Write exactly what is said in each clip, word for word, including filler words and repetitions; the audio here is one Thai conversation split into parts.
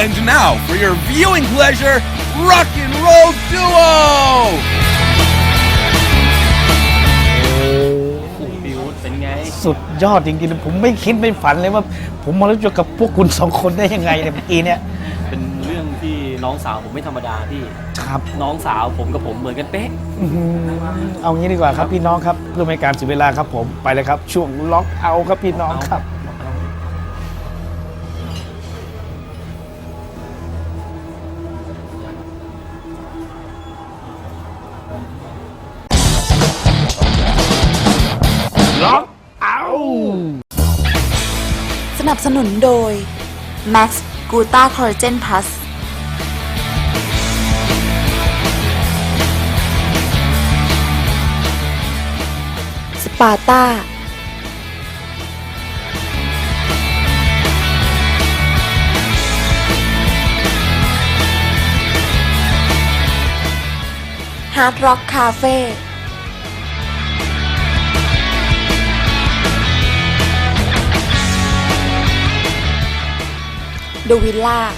And now for your viewing pleasure, Rock and Roll Duo! บิวเป็นไงสุดยอดจริงๆผมไม่คิดไม่ฝันเลยว่าผมมารู้จักกับพวกคุณสองคนได้ยังไงเนี่ยเมื่อกี้เนี่ยเป็นเรื่องที่น้องสาวผมไม่ธรรมดาพี่ครับน้องสาวผมกับผมเหมือนกันเป๊ะเอางี้ดีกว่าครับพี่น้องครับเพื่อไม่การเสียเวลาครับผมไปเลยครับช่วงล็อกเอาครับพี่น้องครับล็อกเอาสนับสนุนโดย Max Gluta Collagen Plus สปาต้าฮาร์ดร็อกคาเฟ่ดูวิลล่า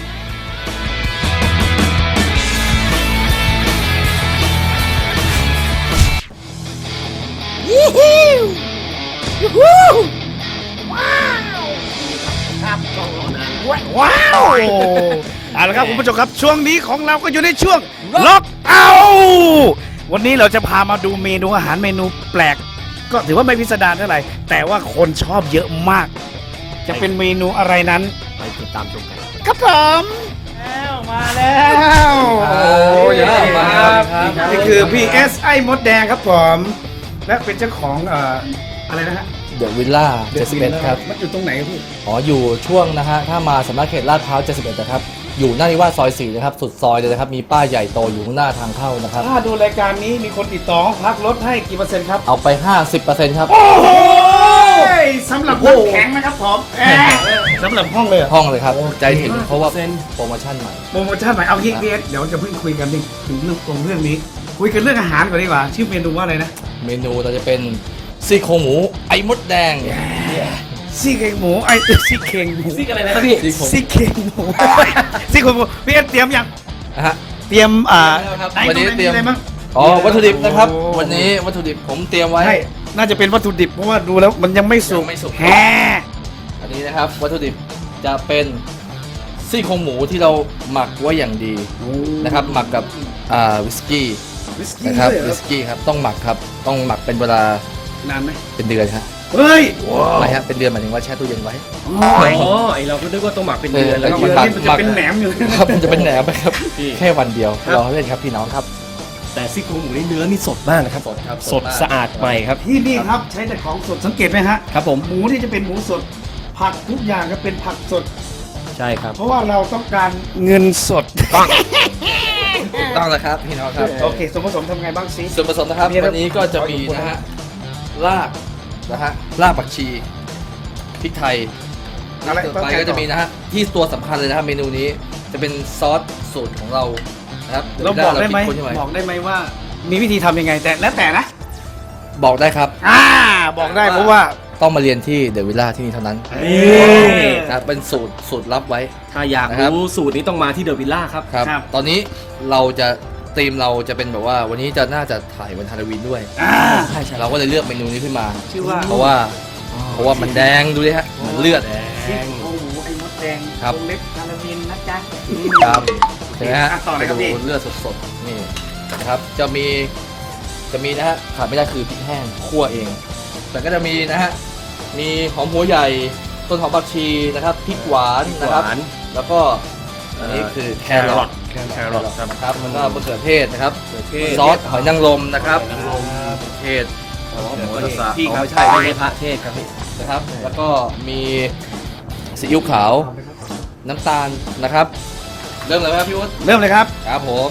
ยี่ฮิวยูฮูว้าวครับว้าวเอาละครับคุณผู้ชมครับช่วงนี้ของเราก็อยู่ในช่วงล็อกเอาวันนี้เราจะพามาดูเมนูอาหารเมนูแปลกก็ถือว่าไม่พิสดารเท่าไหร่แต่ว่าคนชอบเยอะมากจะเป็นเมนูอะไรนั้นไปติดตามชมกันครับผมแล้วมาแล้วโอ้ยมาครับนี่คือ พี เอส ไอ้มดแดงครับผมและเป็นเจ้าของเอ่ออะไรนะฮะเดอะวิลล่าเจ็ดสิบเอ็ดครับมันอยู่ตรงไหนครับพี่อ๋ออยู่ช่วงนะฮะถ้ามาสำนักเขตลาดพร้าวเจ็ดสิบเอ็ดนะครับอยู่หน้านิวาสซอยสี่นะครับสุดซอยเลยนะครับมีป้ายใหญ่โตอยู่ข้างหน้าทางเข้านะครับถ้าดูรายการนี้มีคนติดต่อพักลดให้กี่เปอร์เซ็นต์ครับเอาไป ห้าสิบเปอร์เซ็นต์ ครับโอ้โหสำหรับน้ำแข็งนะครับผมสำหรับห้องเลยห้องเลยครับใจถึงเพราะว่าโปรโมชั่นใหม่โปรโมชั่นใหม่เอางี้พี่เอสเดี๋ยวจะเพิ่งคุยกันถึงเรื่องตรงเรื่องนี้คุยกันเรื่องอาหารก่อนดีกว่าชื่อเมนูว่าอะไรนะเมนูเราจะเป็นซี่โครงหมูไอ้มดแดงซี่เค็งหมูไอ้ซี่เค็งหมูซี่อะไรนะพี่ซี่เค็งหมูซี่โครงหมูพี่เอสเตรียมยังฮะเตรียมอ่าวันนี้เตรียมอะไรบ้างอ๋อวัตถุดิบนะครับวันนี้วัตถุดิบผมเตรียมไว้น่าจะเป็นวัตถุดิบเพราะว่าดูแล้วมันยังไม่สุกแฮอันนี้นะครับวัตถุดิบจะเป็นซี่โครงหมูที่เราหมักไว้อย่างดีนะครับหมักกับอ่าวิสกี้นะครับวิสกี้ครับต้องหมักครับต้องหมักเป็นเวลานานไหมเป็นเดือนครับเฮ้ยไม่ครับเป็นเดือนหมายถึงว่าแช่ตู้เย็นไว้อ๋อไอเราก็นึกว่าต้องหมักเป็นเดือนแล้วก็มันจะเป็นแหนมอยู่ครับมันจะเป็นแหนมไปครับแค่วันเดียวรอเล่นครับพี่น้องครับแต่ซี่โครงหมูในเนื้อนี่สดมากนะครับสดครับสดสะอาดใหม่ครับที่นี่ครับใช้แต่ของสดสังเกตไหมฮะครับผมหมูที่จะเป็นหมูสดผักทุกอย่างก็เป็นผักสดใช่ครับเพราะว่าเราต้องการเงินสดต้องต้องเลยครับพี่น้องครับโอเคส่วนผสมทำไงบ้างซิส่วนผสมนะครับวันนี้ก็จะมีนะฮะรากนะฮะรากผักชีพริกไทยต่อไปก็จะมีนะฮะที่ตัวสำคัญเลยนะครับเมนูนี้จะเป็นซอสสูตรของเรานะครับเราบอกได้ไหมบอกได้ไหมว่ามีวิธีทำยังไงแต่แล้วแต่นะบอกได้ครับอ่าบอกได้เพราะว่าต้องมาเรียนที่เดอะวิลล่าที่นี่เท่านั้นนะเป็นสูตรสูตรลับไว้ถ้าอยากรู้สูตรนี้ต้องมาที่เดอะวิลล่าครับครับตอนนี้เราจะธีมเราจะเป็นแบบว่าวันนี้จะน่าจะถ่ายวันฮาโลวีนด้วยใช่ใช่เราก็เลยเลือกเมนูนี้ขึ้นมาชื่อว่าเพราะว่าเพราะว่ามันแดงดูดิฮะมันเลือดแดงโอ้โหไอ้มดแดงครับเล็บฮาโลวีนนะจ๊ะครับใช่ไหมฮะไปดูเลือดสดๆนี่นะครับจะมีจะมีนะฮะขาดไม่ได้คือพริกแห้งคั่วเองแต่ก็จะมีนะฮะมีหอมหัวใหญ่ต้นหอมผักชีนะครับพริกหวานนะครับแล้วก็อันนี้คือแครอทแครอทนะครับแล้วก็มะเขือเทศนะครับซอสหอยนางรมนะครับเทศพี่ครับใช่ไม่ใช่พระเทศครับพี่นะครับแล้วก็มีซีอิ๊วขาวน้ำตาลนะครับเริ่มเลยไหมครับพี่วุฒิเริ่มเลยครับครับผม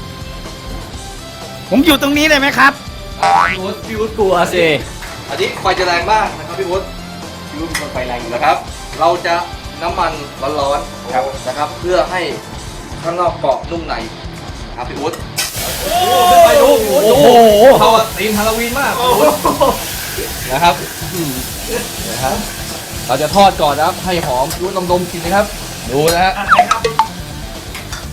ผมอยู่ตรงนี้เลยไหมครับพี่วุฒิพี่วุฒิกลัวสิอันนี้ไฟจะแรงมากนะครับพี่วุฒิพี่วุฒิไฟแรงอยู่นะครับเราจะน้ำมันร้อนๆนะครับเพื่อให้ข้างนอกเกาะนุ่มในครับพี่วุฒิไปดูโอ้โหเขาตีมฮาโลวีนมากนะครับนะครับเราจะทอดก่อนนะครับให้หอมพี่วุฒิลองดมกินนะครับดูนะฮะ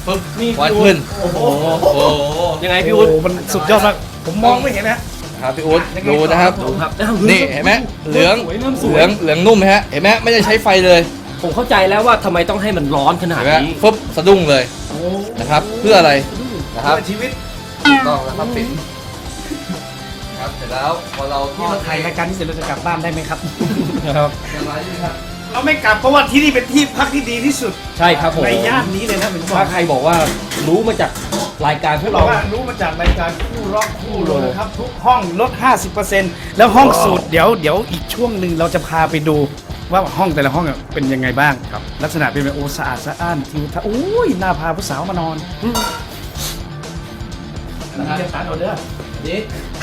ปึ๊บนี่ควันขึ้นโอ้โหโอ้โหยังไงพี่พี่อุ๊อุ๊ดดมันสุดยอดมากผมมองไม่เห็นนะครับพี่อุ๊ดดูนะครับดูครับนี่เห็นไหมเหลืองสวยเริ่มสเหวยลืองเหลืองนุ่มไหมฮะเห็นไหมไม่ได้ใช้ไฟเลยผมเข้าใจแล้วว่าทำไมต้องให้มันร้อนขนาดเห็นไหมนี้ปึ๊บสะดุ้งเลยโอ้นะครับ เพื่ออะไรนะครับเพื่อชีวิตถูกต้องแล้วครับปิดครับเสร็จแล้วพอเราทที่อดเราถ่ายรายการนี้เสร็จเราจะกลับบ้านได้ไหมครับครับเรียบร้อยใช่ไหมครับเราไม่กลับเพราะว่าที่นี่เป็นที่พักที่ดีที่สุดใช่ครับผมในย่านนี้เลยนะผมบอถ้าก ใครบอกว่ารู้มาจากรายการพวกเราเราว่ารู้มาจากรายการคู่ร็อกคู่โรลนะครับทุกห้องลด ห้าสิบเปอร์เซ็นต์ แล้วห้องสูตรเดี๋ยวเดี๋ยวอีกช่วงหนึ่งเราจะพาไปดูว่าห้องแต่ละห้องเป็นยังไงบ้างครับ ลักษณะเป็นแบบโอสะอาดสะอ้านทิวทัศน์โอ้ยน่าพาผู้สาวมานอนนะจะตัดเอาเด้อนี้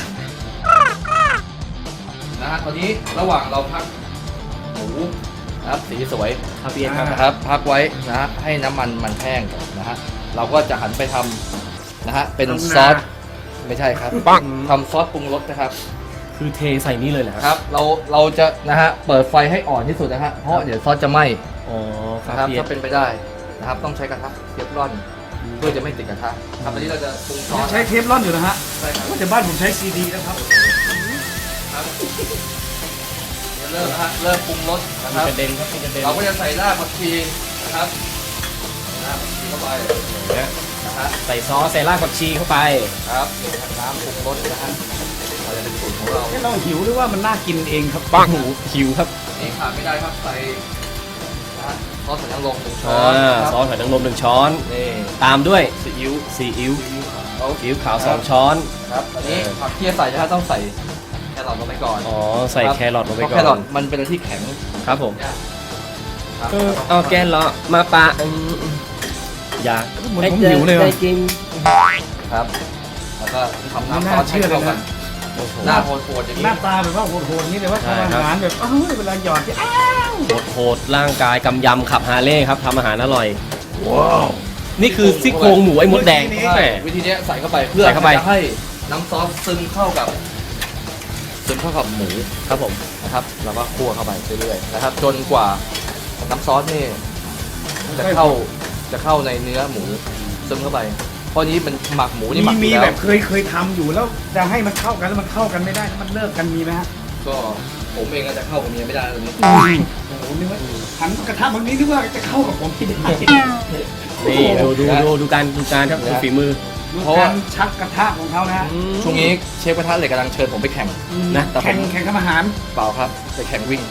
นะฮะตอนนี้ระหว่างเราพักหมูนะครับสีสวยครับพี่เอ็นครับนะครับพักไว้นะฮะให้น้ำมันมันแห้งก่อนนะฮะเราก็จะหันไปทำนะฮะเป็นซอสไม่ใช่ครับทำซอสปรุงรสนะครับคือเทใส่นี่เลยเหรอครับเราเราจะนะฮะเปิดไฟให้อ่อนที่สุดนะฮะเพราะเดี๋ยวซอสจะไหม้อ๋อคนะครัรับบ พี่เอ็ถ้าน เป็นไปได้นะครับต้องใช้กระทะเทฟลอนเพื่อจะไม่ติดกระทะครับตอนนี้เราจะปรุงซอสใช้เทปร่อนอยู่นะฮะใช่ครับว่าแต่บ้านผมใช้ซีดีนะครับครับเดี๋ยวเริ่มนะฮะเริ่มปรุงรสนะครับกระเด็นครับพี่กระเด็นเราก็จะใส่รากผักชีนะครับใส่รากผักชีเข้าไปนะฮะใส่ซอสใส่รากผักชีเข้าไปครับนี่ครับน้ำปรุงรสนะฮะเราจะเป็นสูตรของเราให้เราหิวหรือว่ามันน่ากินเองครับปังหิวครับนี่ขาดไม่ได้ครับใส่นะฮะซอสสันนางรมหนึ่งช้อ่อนา ครับซอสหอยนางรมหนึ่งช้อนนี่ตามด้วยซีอิ๊วซีอิ๊วเอาซีอิ๊วขาวสองช้อนครับอันนี้ผักที่จะใส่นะฮะต้องใส่แครอทลงไปก่อนอ๋อใส่แครอทลงไปเพราะก่แครออน ทมันเป็นอะไรที่แข็งครับผมยากครับเออเอาแกนเหรอมาปะอืมอยากเหมือนผมหิวเลยว่ะได้กินครับแล้วก็ทำไม่น้ำซน่าอสเชื่ให้อเลยเข้ากันะนหน้าโหดๆอย่างหนี้น้าตาแบบว่าโหดๆนี่เลยว่าทำอาหารแบบอ้าวเวลาหยอดที่อ้าวโหดโหดร่างกายกำยำขับฮาร์เลย์ครับทำอาหารอร่อยว้าวนี่คือซี่โครงหมูไอ้มดแดงใช่แหมวิธีเนี้ยใส่เข้าไปเพื่อใส่เข้าไปจะให้น้ำซอสซึมเข้ากับซึมเข้ากับหมูครับผมนะครับแล้วก็คั่วเข้าไปเรื่อยๆนะครับ จนกว่าน้ำซอสนี่จะเข้าจะเข้าในเนื้อหมูซึมเข้าไปเพราะนี้มันหมักหมูนี่หมัมีกอมียู่แบแล้วบเคยเคยทำอยู่แล้วจะให้มันเข้ากันแล้วมันเข้ากันไม่ได้มันเลิกกันมีไหมฮะก็ผมเองก็จะเข้ากับเมียไม่ได้ตรงนี้โอ้โหนึกว่าหันกระทะบางนี้นึกว่าจะเข้ากับผมไม่ได้นี่ดูดูดูดูการดูการครับดูฝีมือดูการชักกระทะของเขานะฮะช่วงนี้เชฟกระทะเหล็กกำลังเชิญผมไปแข่งนะแต่ผแข่งมแข่งทำอาหารเปล่าครับไปแข่งวิ่ง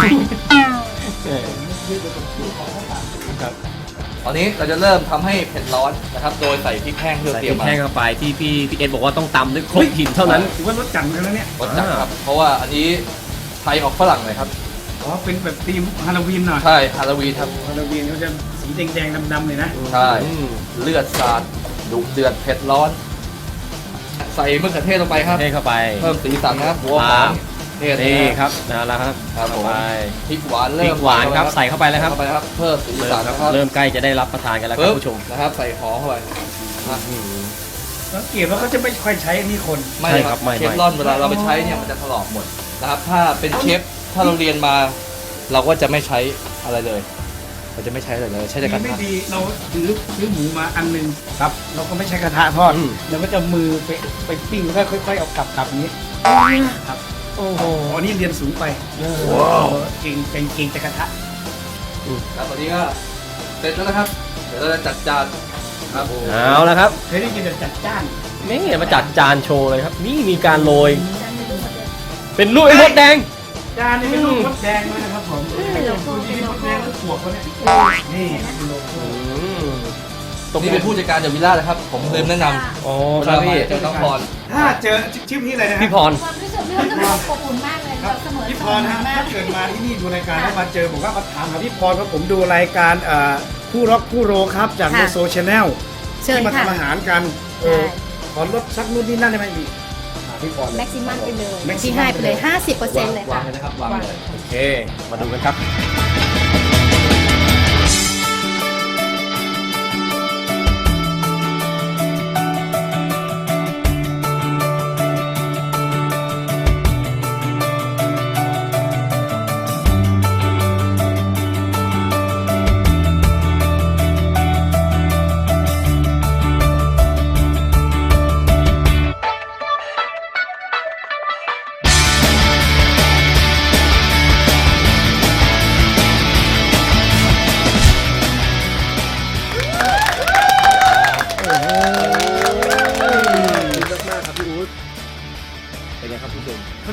ตอนนี้เราจะเริ่มทำให้เผ็ดร้อนนะครับ โดยใส่พริกแห้งที่เราใส่เตพรีริยมกมาแห้งเข้าไปที่พี่พี่เอ็ดบอกว่าต้องตำด้วยครกหินเท่านั้นถือว่ารสจัดเหมือนกันแล้วเนี่ยรสจัดครับ เพราะว่าอันนี้ไทยออกฝรั่งเลยครับอ๋อเป็นแบบธีมฮาโลวีนหน่อยใช่ฮาโลวีนครับฮาโลวีนเขาจะสีแดงๆดำๆเลยนะใช่อืมเลือดสาดดุเดือดเผ็ดร้อน ใส่มะเขือเทศลงไปครับเทเข้าไปเพิ่มสีสันนะครับหัวหอมเทศนี่นะคครับรับนะแล้วครับครับผมไปพริกหวานพเริ่ริมกหวานครับใส่เข้าไปแล้วครับเข้าไปครับเพิ่มสีเริ่สัมนครับนะครับเริ่มใกล้จะได้รับประทานกันแล้วครับปึ๊บผู้ชมนะครับ ใส่หอมเข้าไปนะสังเกตว่าเขาจะไม่ค่อยใช้อันนี้คนไม่ใช่คครัรับบไม่เชฟไม่ร่อนเวลาเราไปใช้เนี่ยมันจะถลอกหมดนะครับ ถ้าเป็นเชฟถ้าเราเรียนมา เราก็จะไม่ใช้อะไรเลย เราจะไม่ใช้อะไรเลยใช้แต่กระไม่ทะดีเราซื้อซื้อหมูมาอันหนึงครับ เราก็ไม่ใช้กระทะทอดอืมเราก็จะมือไปไปปิ้งแล้วก็ค่อยๆเอากลับกลับอย่างนี้ครับโอ้โหอ๋อนี่เรียนสูงไปว้าวเก่งเก่งเก่งแต่กระทะแล้วตอนนี้ก็เสร็จแล้วนะครับ เดี๋ยวเราจะจัดจานครับผมเอาแล้วครับเคยได้ยินแต่จัดจ้านนี่มาจัดจานโชว์เลยครับ นี่มีการโรยเป็นลูกไอ้มดแดงจานนี่เป็นลูกมดแดงเลยนะครับผมไม่ต้องดูที่มดแดงหรือปวกเขาเนี่ยนี่เป็นโลโก้ตรงนี้เป็นผู้จัดการจากวิลล่านะครับ ผมลืมแนะนำโอ้เวครัลาบมาพี่เจอน้องพรถ้าเจอชื่อพี่อะไรนะฮะพี่พรความรู้สึกพี่ว่าจะบอกอบอุ่นมากเลยครับเสมอพี่พเสรมนะอฮะมาถ้าก เกิดมาที่นี่ดูรายการแล้วมาเจอผมว่ามาถามหาพี่พรเพราะผมดูรายการเอ่อคู่ร็อกคู่โรครับจากโลโซชาแนลเชิญที่มาค่ะทำอาหารกันเออขอลดสักนู่นนี่นั่นได้ไหมพี่หาพี่พรเลยแม็กซิมัมไปเลย Maximum ที่ให้ไปเลย ห้าสิบเปอร์เซ็นต์เลยวาค่ะงเลยนะครับวางเลยโอเค มาดูกันครับ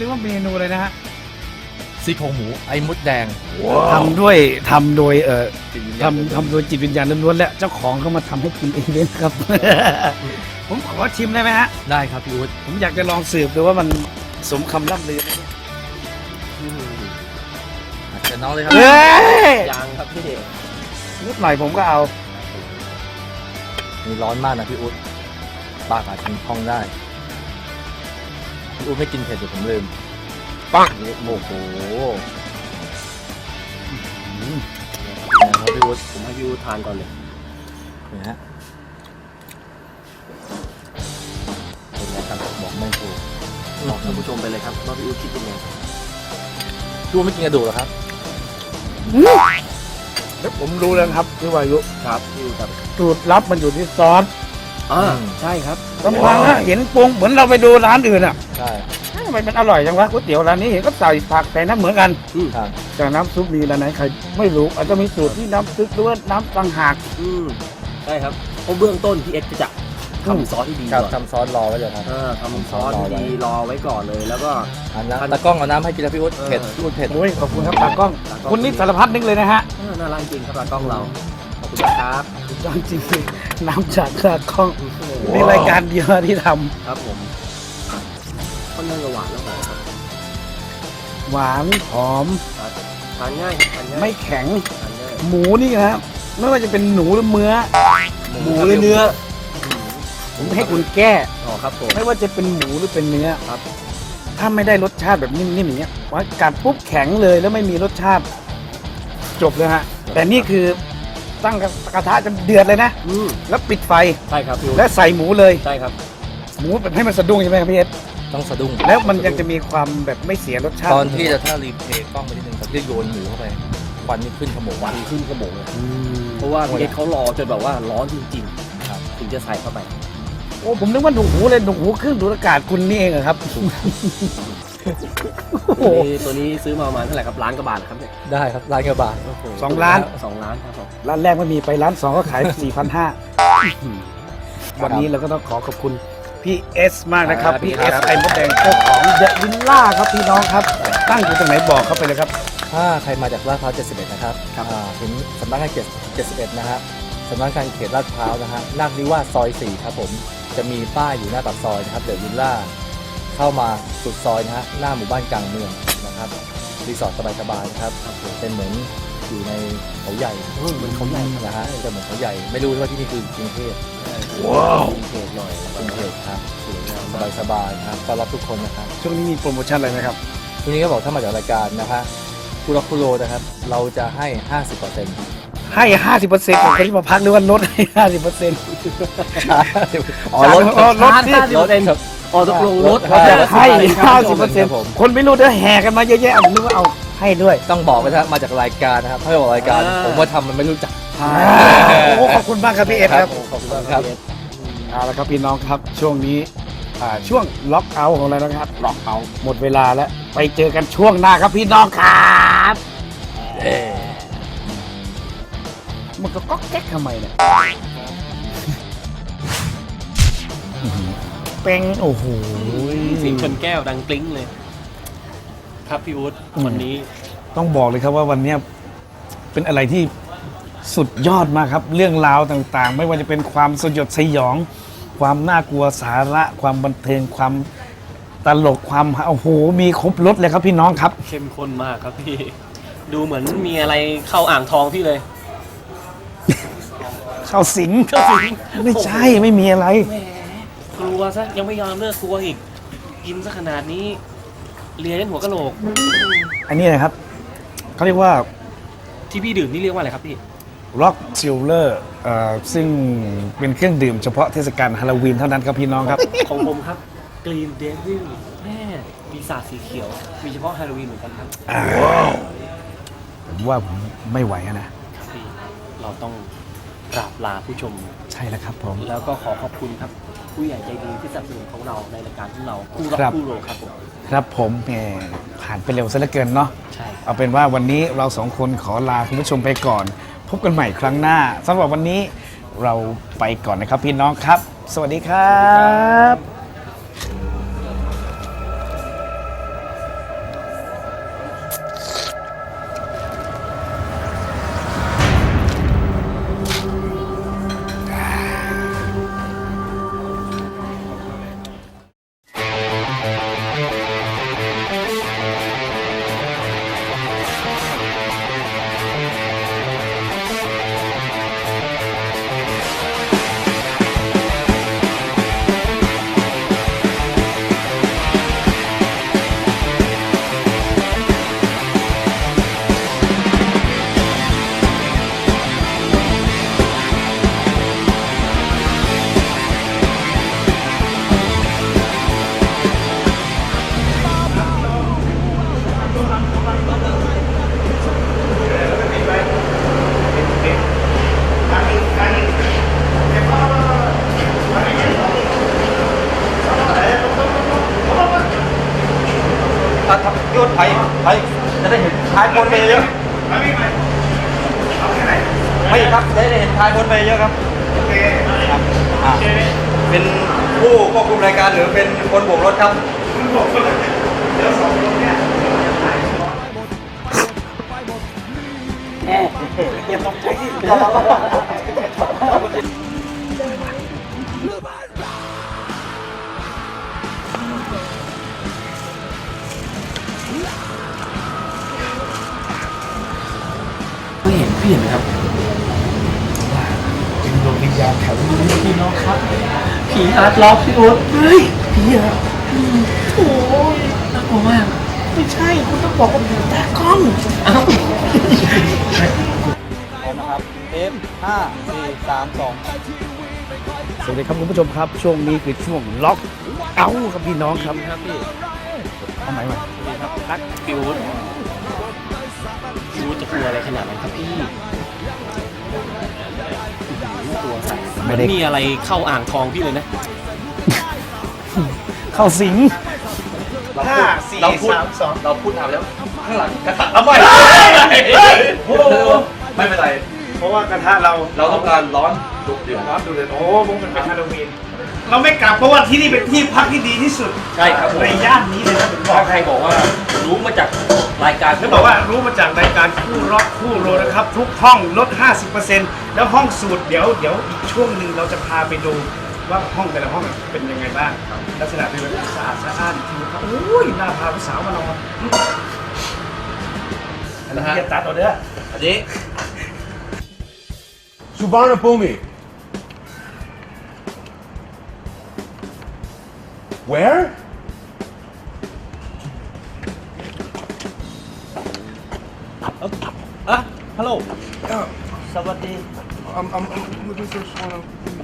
เรียกว่าเมนูเลยนะฮะซี่โครงหมูไอ้มดแดงทำด้วยทำโดยเอ่อทำทำโดยจิตวิญญาณล้วนๆและเจ้าของก็มาทำให้กินเองเลยครับ ผมขอชิมได้ไหมฮะได้ครับพี่อุ๊ดผมอยากจะลองสืบดูว่ามันสมคำล่ำลือไหมเนี่ยเชิญน้องเลยครับเฮ้ยยังครับพี่นิดหน่อยผมก็เอานี่ร้อนมากนะพี่อุ๊ดปากอาจจะพองได้พี่อุ๊ดไม่กินเผ็ดเดี๋ยวผมลืมปังนี่โอ้โหนะครับพี่อุ๊ดผมให้พี่อูทานก่อนเลยนี่ฮะเป็นไงครับบอกไม่ถูกบอกท่านผู้ชมไปเลยครับว่าพี่อูคิดยังไงพี่อุ๊ดไม่กินกระดูกเหรอครับเดี๋ยวผมรู้แล้วครับพี่วายุครับพี่อูครับสูตรลับมันอยู่ที่ซอสอ่าใช่ครับลำพังนะเห็นปรุงเหมือนเราไปดูร้านอื่นอ่ะใช่ทำไมมันอร่อยจังวะก๋วยเตี๋ยวร้านนี้เห็นก็ใส่ผักใส่น้ำเหมือนกันครับแต่น้ำซุปมีร้านไหนใครไม่รู้อาจจะมีสูตรที่น้ำซุปหรือว่าน้ำต่างหากอืมใช่ครับเพราะเบื้องต้นพี่เอ็กซ์จะทำซอสที่ดีครับก่อนทำซอสรอไว้เลยครับเออทำซอสที่ดีรอไว้ก่อนเลย แล้วก็อันน้ำตะกล้องเอาน้ำให้กินแล้วพี่อุ๊ดเออเผ็ดพี่อุ๊ดเผ็ดโอ้ยขอบคุณครับตากล้องตากล้องคุณนี่สารพัดนึกเลยนะฮะเออน่ารักจริงครับตากล้องเราขอบคุณนะครับสุดยอดจริงๆน้ำจากตากล้องในรายการเดียวที่ทครับผมค่อนข้างจะหวานแล้วหอมครับำหวานหอมครับทานง่ายครับทานง่ายไม่แข็งทานง่ายหมูนี่นะไม่ว่าจะเป็นหนูหรือเนื้อหมูหรือเนื้อผมให้คุณแก้อ๋อครับผมไม่ว่าจะเป็นหมูหรือเป็นเนื้อครับถ้าไม่ได้รสชาติแบบนิ่มๆอย่างเงี้ยว่ากัดปุ๊บแข็งเลยแล้วไม่มีรสชาติจบเลยฮะแต่นี่คือตั้งกระทะจะเดือดเลยนะอืมแล้วปิดไฟใช่ครับพี่อู๋และใส่หมูเลยใช่ครับหมูแบบให้มันสะดุ้งใช่ไหมครับพี่เอสต้องสะดุ้งแล้วมันยังจะมีความแบบไม่เสียรสชาติตอนที่จะถ้ารีเพลย์กล้องไปนิดนึงตอนที่โยนหมูเข้าไปควันนี่ขึ้นขโมงหวานขึ้นกระโหมกเลยเพราะว่าพี่เอ็กซ์เขารอจนแบบว่าร้อนจริงๆครับถึงจะใส่เข้าไปโอ้ผมนึกว่าหนูหูเลยหนูหูเครื่องดูดอากาศคุณนี่เองเหรอครับ โอ้ตัวโหนี้ตัวนี้ซื้อมาประมาณเท่าไหร่ครับล้านกว่าบาทเหรอครับเนี่ยได้ครับร้านกระบาดโโหสองล้านสองล้านครับผมร้านแรกไม่มีไปร้านสองก็ขาย สี่พันห้าวันนี้เราก็ต้องขอขอบคุณพี่เอสมากนะครับพี่เอสไอ้มดแดงเจ้าของเดอะวิลล่าครับพี่น้องครับ ตั้งอยู่ตรงไหนบอกเขาไปเลยครับถ้าใครมาจากลาดพร้าวเจ็ดสิบเอ็ดนะครับอ่าถึงสำนักงานเขตเจ็ดสิบเอ็ดนะฮะสำนักงานเขตลาดพร้าวนะฮะนาคนิวาสซอยสี่ครับผมจะมีป้ายอยู่หน้าปากซอยนะครับเดอะวิลล่าเข้ามาสุดซอยนะฮะหน้าหมู่บ้านกลางเมืองนะครับรีสอร์ทสบายๆนะครับเป็นเหมือนอยู่ในเขาใหญ่เออเหมือนเขาใหญ่นะฮะจะเหมือนเขาใหญ่ไม่รู้ว่าที่นี่คือกรุงเทพว้าวเผ็ดหน่อยแล้วกก็รุงเทพครับสวยงามสมากบายสบายๆนะครับต้อนรับทุกคนนะครับช่วงนี้มีโปรโมชั่นอะไรไหมครับทีนี้ก็บอกถ้ามาจากรายการนะคะคุโรคุโรนะครับเราจะให้ ห้าสิบเปอร์เซ็นต์ให้ห้าสิบเปอร์เซ็นต์ของคนที่มาพักหรือว่าลดให้ห้าสิบเปอร์เซ็นต์อ๋อลดอ๋อลดสิลดครับอ๋อตกลงลดเขาจะให้ห้าสิบเปอร์คเซ็นรัต์บผมคนไม่รู้จะแห่กันมาเยอะแยะผมนึกว่าเอาให้ด้วยต้องบอกไปนะครับมาจากรายการนะครับถ้าไม่บอกรายการ ผมว่าทำมันไม่รู้จักโอ้ขอบคุณมากครับพี่เอสครับขอบคุณครับเอาละครับพี่น้องครับช่วงนี้อ่าช่วงล็อกเอาท์ของเรานะครับล็อกเอาท์หมดเวลาแล้วไปเจอกันช่วงหน้าครับพี่น้องครับมันก็ก๊อกแก๊กทำไมเนี่ยเป็นโอ้โหเสียงชนแก้วดังกลิ้งเลย ครับพี่อู๊ดวันนี้ต้องบอกเลยครับว่าวันเนี้ยเป็นอะไรที่สุดยอดมากครับ เรื่องราวต่างๆ ไม่ว่าจะเป็นความสยดสยอง ความน่ากลัวสาระความบันเทิงความตลกความโอ้โหมีครบรถเลยครับพี่น้องครับเข้มข้นมากครับพี่ ดูเหมือนมีอะไรเข้าอ่างทองพี่เลยเข้าสิงเข้าสิงไม่ใช่ไม่มีอะไรแหมกลัวซะยังไม่ยอมเลิกกลัวอีก กินซะขนาดนี้เลียเล่นหัวกะโหลกอันนี้นะครับเขาเรียกว่าที่พี่ดื่มนี่เรียกว่าอะไรครับพี่ล็อกซิลเลอร์ซึ่งเป็นเครื่องดื่มเฉพาะเทศกาลฮาโลวีนเท่านั้นครับพี่น้องครับของผมครับกรีนเดวิลแม่ปีศาจสีเขียว มีเฉพาะฮาโลวีนเหมือนกันครับผมว่าผมไม่ไหวอะนะครับพี่เราต้องกราบลาผู้ชมใช่แล้วครับผมแล้วก็ขอขอบคุณครับ ผู้ใหญ่ใจดีที่สนับสนุนของเราในรายการของเราคู่รักครับคู่โรครับผมครับผมแหมผ่านไปเร็วซะเหลือเกินเนาะใช่เอาเป็นว่าวันนี้เราสองคนขอลาคุณผู้ชมไปก่อน พบกันใหม่ครั้งหน้าสำหรับวันนี้เราไปก่อนนะครับพี่น้องครับ สวัสดีครับไปไปจะได้เห็นท้ายคนไปเยอะเอาไม่ไม่เอาแค่ไหนไม่ครับจะได้เห็นท้ายคนไปเยอะครับโอเคครับอ่าโอเคเป็นผู้ควบคุมรายการหรือเป็นคนโบกรถครับคุณบอกคนละเดี๋ยวสองคนเนี่ยอย่าตกใจที่ไม่เห็นพี่เห็นไหมครับเป็นดวงวิญญาณแถวนี้พี่น้องครับผีฮาร์ดล็อกพี่อุ๊ดเฮ้ยผีเหรอโอ้ยน่ากลัวมากไม่ใช่คุณต้องบอกว่าผีตากล้องเอ้าเอฟห้าสี่สามสองสวัสดีครับคุณผู้ชมครับ ช่วงนี้คือช่วงล็อกเอาท์ครับพี่น้องครับครับพี่เอาไหมมาดีครับรักพี่อุ๊ดพี่อุ๊ดจะกลัวอะไรขนาดนั้นครับพี่ตัวสั่นมันมีอะไรเข้าอ่างทองพี่เลยนะเข้าสิงห้าสี่สามสองเราพูดถามแล้วข้างหลังกระตัดเอาไปไม่เป็นไรเพราะว่ากระทะเราเราต้องการร้อนดุเดือดร้อนดูเลยโอ้พวกมันเป็นฮาโลวีนเราไม่กลับเพราะว่าที่นี่เป็นที่พักที่ดีที่สุดใช่ครับผมในย่านนี้เลยนะผมบอถ้าก ใครบอกว่ารู้มาจากรายการเขาบอกว่ารู้มาจากรายการคู่ร็อกคู่โรนะครับ ทุกห้องลด ห้าสิบเปอร์เซ็นต์ แล้วห้องสูตรเดี๋ยวเดี๋ยวอีกช่วงหนึ่งเราจะพาไปดูว่าห้องแต่ละห้องเป็นยังไงบ้างลักษณะเป็นแบบสะอาดสะอ้านทีครับโอ้ยน่าพาผู้สาวมานอนอันนี้จะตัดเอาเด้ออันนี้ Suvarna Bhumi. Where? Ah, hello. Yeah, สวัสดี I'm, I'm, I'm looking for Suvarna Bhumi.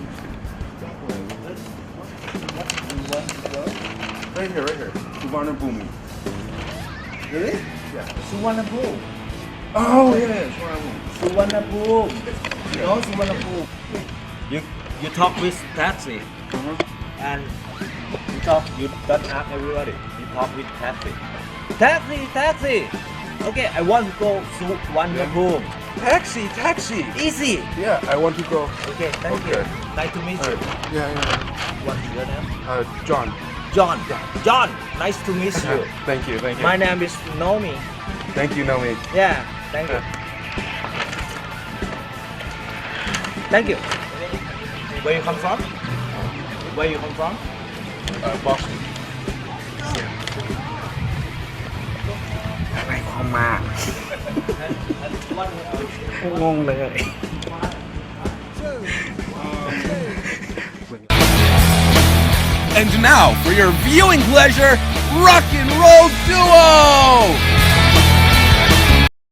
Right here, right here. Suvarna Bhumi. Really? Yeah. สุวรรณภูมิ Oh, yeah, Suvarna Bhumi. สุวรรณภูมิ no สุวรรณภูมิ you you talk with taxi and you talk you don't ask everybody you talk with taxi taxi taxi okay I want to go to สุวรรณภูมิ Taxi, taxi. easy Yeah, I want to go. okay thank you Okay. nice to meet you Uh, yeah, yeah. what's your name Uh, John. John John nice to meet you Thank you, thank you. my name is Nomi Thank you, Naomi. yeah thank you thank you where you come from where you come from Uh, Boston. อะไรความมา งงเลย And now, for your viewing pleasure, Rock and Roll Duo!